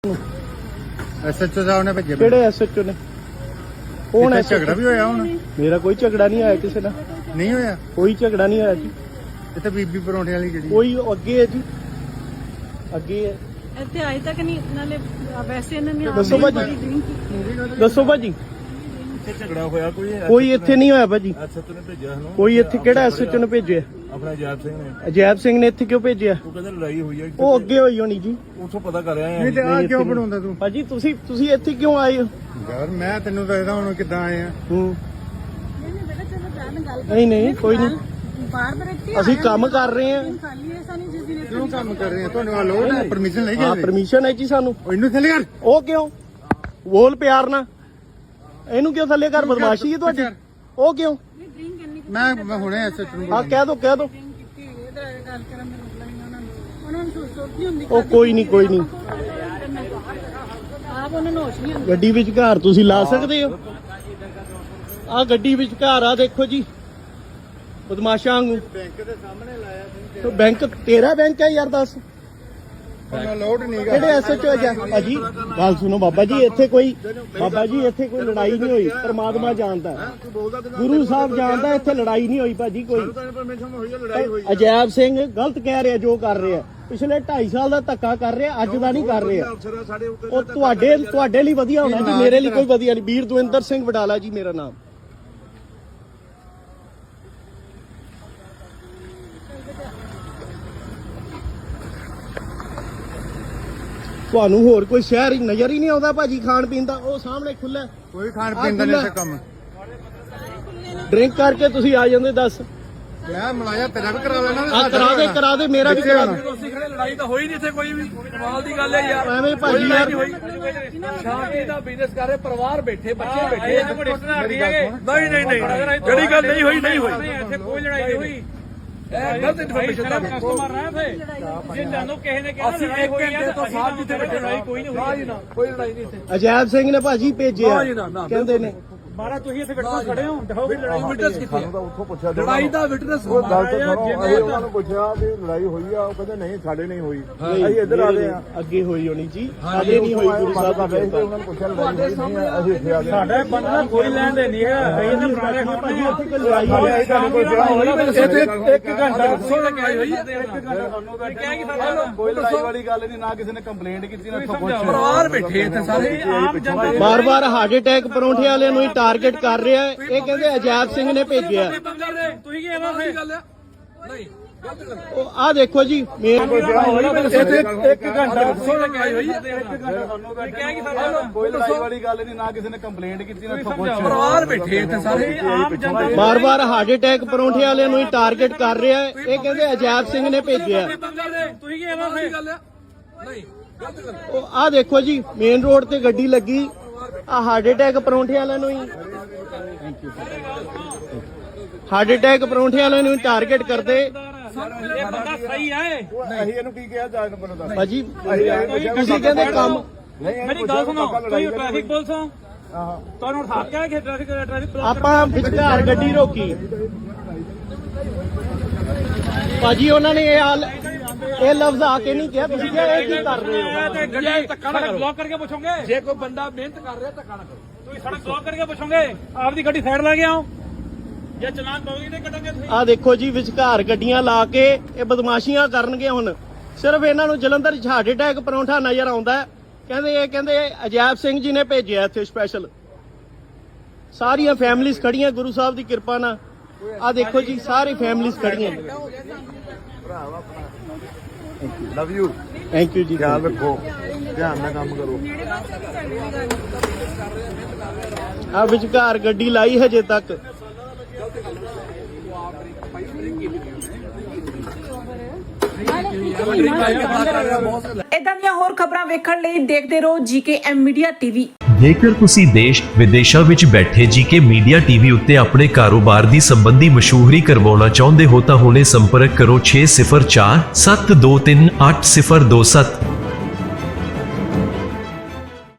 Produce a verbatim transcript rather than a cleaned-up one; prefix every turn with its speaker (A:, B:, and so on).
A: SHO ਸਾਹਿਬ ਨੇ ਭੇਜੇ।
B: ਕਿਹੜੇ ਐਸਐਚਓ ਨੇ? ਕੌਣ ਹੈ?
A: ਝਗੜਾ ਵੀ ਹੋਇਆ ਹੁਣ?
B: ਮੇਰਾ ਕੋਈ ਝਗੜਾ ਨਹੀਂ ਆਇਆ ਕਿਸੇ ਨਾਲ।
A: ਨਹੀਂ ਹੋਇਆ?
B: ਕੋਈ ਝਗੜਾ ਨਹੀਂ ਹੋਇਆ ਜੀ।
A: ਇੱਥੇ ਬੀਬੀ ਪਰੌਂਠੇ ਵਾਲੀ ਜਿਹੜੀ
B: ਕੋਈ ਅੱਗੇ ਹੈ ਜੀ, ਅੱਗੇ ਹੈ।
C: ਇੱਥੇ ਅਜੇ ਤੱਕ ਨਹੀਂ, ਨਾਲੇ ਵੈਸੇ ਇਹਨਾਂ ਨੇ
B: ਦੱਸੋ ਭਾਜੀ, ਦੱਸੋ ਭਾਜੀ।
D: ਝਗੜਾ ਹੋਇਆ ਕੋਈ?
B: ਕੋਈ ਇੱਥੇ ਨਹੀਂ ਹੋਇਆ ਭਾਜੀ।
D: ਐਸਐਚਓ ਨੇ ਭੇਜਿਆ ਸਾਨੂੰ।
B: ਕੋਈ ਇੱਥੇ ਕਿਹੜਾ ਐਸਐਚਓ ਨੇ ਭੇਜਿਆ?
D: ਆਪਣਾ ਅਜੈਬ ਸਿੰਘ ਨੇ।
B: ਅਜੈਬ ਸਿੰਘ ਨੇ ਇੱਥੇ ਕਿਉਂ ਭੇਜਿਆ?
D: ਉਹ ਕਹਿੰਦੇ ਲੜਾਈ ਹੋਈ ਹੈ।
B: ਉਹ ਅੱਗੇ ਹੋਈ ਹੋਣੀ ਜੀ।
D: ਉੱਥੋਂ ਪਤਾ ਕਰ ਆਏ
A: ਨਹੀਂ ਤੇ
D: ਆ।
A: ਆ ਕਿਉਂ ਬਣਾਉਂਦਾ ਤੂੰ?
B: ਭਾਜੀ ਤੁਸੀਂ ਤੁਸੀਂ ਇੱਥੇ ਕਿਉਂ ਆਏ ਹੋ?
A: ਯਾਰ ਮੈਂ ਤੈਨੂੰ ਦੱਸਦਾ ਹੁਣ ਕਿੱਦਾਂ ਆਏ ਆ।
B: ਹੂੰ
C: ਨਹੀਂ ਬੇਟਾ ਚਲੋ ਜਾਣ ਗੱਲ
B: ਨਹੀਂ ਨਹੀਂ ਕੋਈ ਨਹੀਂ,
C: ਬਾਹਰ ਬਰੇਤੀ
B: ਅਸੀਂ ਕੰਮ ਕਰ ਰਹੇ ਹਾਂ।
C: ਖਾਲੀ ਐਸਾ ਨਹੀਂ ਜਿਸ ਦਿਨ
A: ਕਿਉਂ ਕੰਮ ਕਰ ਰਹੇ ਆ? ਤੁਹਾਨੂੰ ਆ ਲੋੜ ਹੈ? ਪਰਮਿਸ਼ਨ ਲੈ
B: ਹਾਂ
A: ਗਏ?
B: ਪਰਮਿਸ਼ਨ ਹੈ ਜੀ ਸਾਨੂੰ।
A: ਉਹ ਇਹਨੂੰ ਥੱਲੇ ਕਰ।
B: ਉਹ ਕਿਉਂ? ਬੋਲ ਪਿਆਰ ਨਾਲ। ਇਹਨੂੰ ਕਿਉਂ ਥੱਲੇ ਕਰ? ਬਦਮਾਸ਼ੀ ਹੈ ਤੁਹਾਡੀ। ਉਹ ਕਿਉਂ?
C: ਡਰਿੰਕ ਇੰਨੀ
A: ਮੈਂ ਮੈਂ ਹੁਣੇ ਐਸਐਚਓ ਨੂੰ
B: ਆ ਕਹਿ ਦੋ ਕਹਿ ਦੋ।
C: ਕੀਤੀ ਹੋਈ ਹੈ, ਇਹਦਾ ਗੱਲ ਕਰਨ ਦਾ ਮਤਲਬ ਨਹੀਂ ਉਹਨਾਂ ਨੂੰ ਉਹਨਾਂ ਨੂੰ ਸੋਚ ਸੋਚ ਨਹੀਂ ਹੁੰਦੀ।
B: ਉਹ ਕੋਈ ਨਹੀਂ ਕੋਈ ਨਹੀਂ,
C: ਆਪ ਉਹਨਾਂ ਨੂੰ ਹੋਸ਼ ਨਹੀਂ ਹੁੰਦੀ।
B: ਗੱਡੀ ਵਿੱਚ ਘਰ ਤੁਸੀਂ ਲਾ ਸਕਦੇ ਹੋ। ਆ ਗੱਡੀ ਵਿੱਚ ਘਰ ਆ ਦੇਖੋ ਜੀ, ਬਦਮਾਸ਼ਾਂ ਵਾਂਗੂ।
A: ਬੈਂਕ ਦੇ ਸਾਹਮਣੇ ਲਾਇਆ ਸੀ।
B: ਤੇ ਬੈਂਕ ਤੇਰਾ ਬੈਂਕ ਹੈ ਯਾਰ, ਦੱਸ
A: ਉਹਨਾਂ ਲੋਡ ਨਹੀਂ ਗਾ।
B: ਕਿਹੜੇ ਐਸਐਚਓ ਹੈ ਭਾਜੀ? ਗੱਲ ਸੁਣੋ ਬਾਬਾ ਜੀ, ਇੱਥੇ ਕੋਈ ਬਾਬਾ ਜੀ ਇੱਥੇ ਕੋਈ ਲੜਾਈ ਨਹੀਂ ਹੋਈ। ਪਰਮਾਤਮਾ ਜਾਣਦਾ, ਗੁਰੂ ਸਾਹਿਬ ਜਾਣਦਾ, ਇੱਥੇ ਲੜਾਈ ਨਹੀਂ ਹੋਈ ਭਾਜੀ ਕੋਈ।
D: ਪਰਮਿਸ਼ਨ ਹੋਈ ਹੈ, ਲੜਾਈ ਹੋਈ।
B: ਅਜੈਬ ਸਿੰਘ ਗਲਤ ਕਹਿ ਰਿਹਾ ਜੋ ਕਰ ਰਿਹਾ। ਪਿਛਲੇ ਢਾਈ ਸਾਲ ਦਾ ਧੱਕਾ ਕਰ ਰਿਹਾ, ਅੱਜ ਦਾ ਨਹੀਂ ਕਰ ਰਿਹਾ।
D: ਅਫਸਰ ਸਾਡੇ ਉੱਤੇ
B: ਉਹ ਤੁਹਾਡੇ ਤੁਹਾਡੇ ਲਈ ਵਧੀਆ ਹੋਣਾ ਜੀ, ਮੇਰੇ ਲਈ ਕੋਈ ਵਧੀਆ ਨਹੀਂ। ਵੀਰ ਦਵਿੰਦਰ ਸਿੰਘ ਵਡਾਲਾ ਜੀ ਮੇਰਾ ਨਾਮ। ਤੁਹਾਨੂੰ ਹੋਰ ਕੋਈ ਸ਼ਹਿਰ ਹੀ ਨਜ਼ਰ ਹੀ ਨਹੀਂ ਆਉਂਦਾ ਭਾਜੀ ਖਾਣ ਪੀਣ ਦਾ? ਉਹ ਸਾਹਮਣੇ ਖੁੱਲਾ
A: ਕੋਈ ਖਾਣ ਪੀਣ ਦਾ ਨਹੀਂ ਕੰਮ।
B: ਡਰਿੰਕ ਕਰਕੇ ਤੁਸੀਂ ਆ ਜਾਂਦੇ। ਦੱਸ
A: ਮੈਂ ਮਲਾਇਆ ਤੇਰਾ ਵੀ ਕਰਾ ਲੈਣਾ।
B: ਆ ਕਰਾ ਦੇ ਕਰਾ ਦੇ, ਮੇਰਾ ਵੀ ਕਰਾ ਦੇ।
E: ਤੁਸੀਂ ਖੜੇ, ਲੜਾਈ ਤਾਂ ਹੋਈ ਨਹੀਂ ਇੱਥੇ ਕੋਈ ਵੀ। ਕਮਾਲ ਦੀ ਗੱਲ ਹੈ ਯਾਰ।
B: ਐਵੇਂ ਭਾਜੀ ਯਾਰ
E: ਸ਼ਾਂਤੀ ਦਾ ਬਿਜ਼ਨਸ ਕਰ ਰਹੇ, ਪਰਿਵਾਰ ਬੈਠੇ, ਬੱਚੇ ਬੈਠੇ। ਨਹੀਂ ਨਹੀਂ ਨਹੀਂ, ਜਿਹੜੀ ਗੱਲ ਨਹੀਂ ਹੋਈ ਨਹੀਂ ਹੋਈ। ਇੱਥੇ ਕੋਈ ਲੜਾਈ ਨਹੀਂ ਹੋਈ। ਇਹ ਗਲਤ ਇਨਫੋਰਮੇਸ਼ਨ ਦਾ ਕਸਟਮਰ ਰਹੇ ਥੇ। ਜੇ ਜਾਨੋ ਕਿਸੇ ਨੇ ਕਿਹਾ ਅਸੀਂ ਇੱਕ ਘੰਟੇ ਤੋਂ ਸਾਥ ਜਿੱਥੇ ਬੈਠੇ, ਲੜਾਈ ਕੋਈ ਨਹੀਂ ਹੋਈ। ਨਾ ਕੋਈ ਲੜਾਈ ਨਹੀਂ ਇੱਥੇ।
B: ਅਜੈਬ ਸਿੰਘ ਨੇ ਭਾਜੀ ਭੇਜਿਆ ਕਹਿੰਦੇ ਨੇ।
E: ਮਾਰਾ ਤੁਸੀਂ ਇੱਥੇ ਵਿਟਨੈਸ ਖੜੇ ਹੋ, ਦਿਖਾਓ ਵੀ ਲੜਾਈ ਵਿਟਨੈਸ ਕਿੱਥੇ?
D: ਸਾਨੂੰ ਤਾਂ ਉੱਥੋਂ ਪੁੱਛਿਆ।
E: ਲੜਾਈ ਦਾ ਵਿਟਨੈਸ
D: ਉਹ ਗੱਲ ਤਾਂ ਸੁਣੋ, ਅਸੀਂ ਉਹਨਾਂ ਨੂੰ ਪੁੱਛਿਆ ਵੀ ਲੜਾਈ ਹੋਈ ਆ। ਉਹ ਕਹਿੰਦੇ ਨਹੀਂ ਸਾਡੇ ਨਹੀਂ ਹੋਈ। ਅਸੀਂ ਇੱਧਰ ਆ ਗਏ ਆ।
B: ਅੱਗੇ ਹੋਈ ਹੋਣੀ ਜੀ, ਸਾਡੇ ਨਹੀਂ ਹੋਈ। ਗੁਰੂ ਸਾਹਿਬ ਦਾ
D: ਉਹਨਾਂ ਨੂੰ ਪੁੱਛਿਆ ਲੜਾਈ ਹੋਈ ਨਹੀਂ ਆ। ਅਸੀਂ ਇੱਥੇ ਆ ਗਏ।
E: ਸਾਡੇ ਬੰਦਾ ਕੋਈ ਲੈਣ ਦੇ ਨਹੀਂ ਹੈ। ਅਸੀਂ ਤਾਂ ਪੁਰਾਣੇ
B: ਭਾਜੀ ਉੱਥੇ ਕੋਈ ਲੜਾਈ
D: ਸਾਡੇ
B: ਹੋਈ।
D: ਅਸੀਂ ਤੁਹਾਨੂੰ ਪੁੱਛਿਆ
E: ਇੱਥੇ ਇੱਕ ਘੰਟਾ ਦੱਸੋ ਲੜਾਈ ਹੋਈ ਹੈ। ਇੱਕ ਘੰਟਾ ਕਿਹਾ ਕਿ ਸਾਡਾ
D: ਕੋਈ ਲੜਾਈ ਵਾਲੀ ਗੱਲ ਨਹੀਂ, ਨਾ ਕਿਸੇ ਨੇ ਕੰਪਲੇਂਟ ਕੀਤੀ, ਨਾ ਇੱਥੋਂ ਪੁੱਛਿਆ।
E: ਪਰਿਵਾਰ ਬੈਠੇ ਇੱਥੇ ਸਾਰੇ ਆਮ ਜਨਤਾ।
B: ਬਾਰ ਬਾਰ ਹਾਰਟ ਅਟੈਕ ਪਰੌਂਠੇ ਵਾਲਿਆਂ ਨੂੰ ਹੀ ਟਾਰਗੇਟ ਕਰ ਰਿਹਾ ਹੈ। ਇਹ ਕਹਿੰਦੇ ਅਜੈਬ ਸਿੰਘ ਨੇ ਭੇਜਿਆ।
E: ਤੁਸੀਂ ਕੀ ਐਵੇਂ ਸੀ ਗੱਲ ਆ? ਨਹੀਂ
B: ਉਹ ਆ ਦੇਖੋ ਜੀ ਮੇਨ
E: ਇੱਥੇ ਇੱਕ ਘੰਟਾ ਦੱਸੋ ਲੜਾਈ ਹੋਈ ਹੈ। ਇੱਕ ਘੰਟਾ ਕਿਹਾ ਕਿ ਸਾਡਾ
D: ਕੋਈ ਲੜਾਈ ਵਾਲੀ ਗੱਲ ਨਹੀਂ, ਨਾ ਕਿਸੇ ਨੇ ਕੰਪਲੇਂਟ ਕੀਤੀ, ਨਾ ਇੱਥੋਂ ਪੁੱਛਿਆ।
E: ਪਰਿਵਾਰ ਬੈਠੇ ਇੱਥੇ ਸਾਰੇ ਆਮ ਜਨਤਾ।
B: ਬਾਰ ਬਾਰ ਹਾਰਟ ਅਟੈਕ ਪਰੌਂਠੇ ਵਾਲਿਆਂ ਨੂੰ ਹੀ ਟਾਰਗੇਟ ਕਰ ਰਿਹਾ ਹੈ। ਇਹ ਕਹਿੰਦੇ ਅਜੈਬ ਸਿੰਘ ਨੇ ਭੇਜਿਆ।
E: ਤੁਸੀਂ ਕੀ ਐਵੇਂ ਸੀ ਗੱਲ ਆ? ਨਹੀਂ
B: ਉਹ ਆ ਦੇਖੋ ਜੀ ਮੇਨ ਰੋਡ ਤੇ ਗੱਡੀ ਲੱਗੀ। ਆ ਹਾਰਟ ਅਟੈਕ ਪਰੌਂਠੇ ਵਾਲਿਆਂ ਨੂੰ ਹੀ ਹਾਰਟ ਅਟੈਕ ਪਰੌਂਠੇ ਵਾਲਿਆਂ ਨੂੰ ਟਾਰਗੇਟ ਕਰਦੇ।
E: ਇਹ ਬੰਦਾ ਸਹੀ ਹੈ।
D: ਅਸੀਂ ਇਹਨੂੰ ਕੀ ਕਿਹਾ ਜਾ ਨੰਬਰ ਦਾ?
B: ਭਾਜੀ ਤੁਸੀਂ ਕਹਿੰਦੇ ਕੰਮ
E: ਮੇਰੀ ਗੱਲ ਸੁਣੋ, ਤੁਸੀਂ ਟ੍ਰੈਫਿਕ ਪੁਲਿਸ ਹੋ, ਤੁਹਾਨੂੰ ਹੱਕ ਹੈ ਕਿ ਟ੍ਰੈਫਿਕ ਟ੍ਰੈਫਿਕ
B: ਆਪਾਂ ਵਿਚਕਾਰ ਗੱਡੀ ਰੋਕੀ। ਭਾਜੀ ਉਹਨਾਂ ਨੇ ਇਹ ਹਾਲ ਇਹ ਲਫ਼ਜ਼ ਆ ਕੇ ਨਹੀਂ ਕਿਹਾ। ਤੁਸੀਂ ਕਿਹਾ ਇਹ ਕੀ ਕਰ ਰਹੇ ਹੋ?
E: ਤੇ ਗੱਡੀ ਧੱਕਾ ਨਾ ਕਰੋ। ਬਲੌਕ ਕਰਕੇ ਪੁੱਛੋਗੇ। ਜੇ ਕੋਈ ਬੰਦਾ ਮਿਹਨਤ ਕਰ ਰਿਹਾ ਧੱਕਾ ਨਾ ਕਰੋ। ਤੁਸੀਂ ਸੜਕ ਬਲੌਕ ਕਰਕੇ ਪੁੱਛੋਗੇ। ਆਪਦੀ ਗੱਡੀ ਸਾਈਡ ਲਾ ਕੇ ਆਓ। ਜੇ ਚਲਾਨ ਪਾਓਗੇ ਤੇ ਕੱਟਾਂਗੇ ਤੁਸੀਂ।
B: ਆ ਦੇਖੋ ਜੀ ਵਿਚਕਾਰ ਗੱਡੀਆਂ ਲਾ ਕੇ ਇਹ ਬਦਮਾਸ਼ੀਆਂ ਕਰਨਗੇ। ਹੁਣ ਸਿਰਫ ਇਹਨਾਂ ਨੂੰ ਜਲੰਧਰ ਚ ਹਾਰਟ ਅਟੈਕ ਪਰੌਂਠਾ ਨਜ਼ਰ ਆਉਂਦਾ। ਕਹਿੰਦੇ ਇਹ ਕਹਿੰਦੇ ਅਜੈਬ ਸਿੰਘ ਜੀ ਨੇ ਭੇਜਿਆ ਇੱਥੇ ਸਪੈਸ਼ਲ। ਸਾਰੀਆਂ ਫੈਮਿਲੀਆਂ ਖੜੀਆਂ ਗੁਰੂ ਸਾਹਿਬ ਦੀ ਕਿਰਪਾ ਨਾਲ। ਆ ਦੇਖੋ ਜੀ ਸਾਰੀ ਫੈਮਿਲੀਆਂ ਖੜੀਆਂ।
D: Love you.
B: ਥੈਂਕ ਯੂ ਜੀ।
D: ਖਿਆਲ ਰੱਖੋ, ਧਿਆਨ ਨਾਲ ਕੰਮ ਕਰੋ।
B: ਆ ਵਿਚਕਾਰ ਗੱਡੀ ਲਾਈ ਹਜੇ ਤੱਕ।
F: ਇਦਾਂ ਦੀਆਂ ਹੋਰ ਖਬਰਾਂ ਵੇਖਣ ਲਈ ਦੇਖਦੇ ਰਹੋ ਜੀਕੇ ਐਮ ਮੀਡੀਆ ਟੀਵੀ।
G: ਜੇਕਰ ਤੁਸੀਂ ਦੇਸ਼ ਵਿਦੇਸ਼ਾਂ ਵਿੱਚ ਬੈਠੇ ਜੀਕੇ ਮੀਡੀਆ ਟੀਵੀ ਉੱਤੇ ਆਪਣੇ ਕਾਰੋਬਾਰ ਦੀ ਸੰਬੰਧੀ ਮਸ਼ਹੂਰੀ ਕਰਵਾਉਣਾ ਚਾਹੁੰਦੇ ਹੋ ਤਾਂ ਹੁਣੇ ਸੰਪਰਕ ਕਰੋ ਛੇ ਸਿਫਰ ਚਾਰ ਸੱਤ ਦੋ ਤਿੰਨ ਅੱਠ ਸਿਫਰ ਦੋ ਸੱਤ।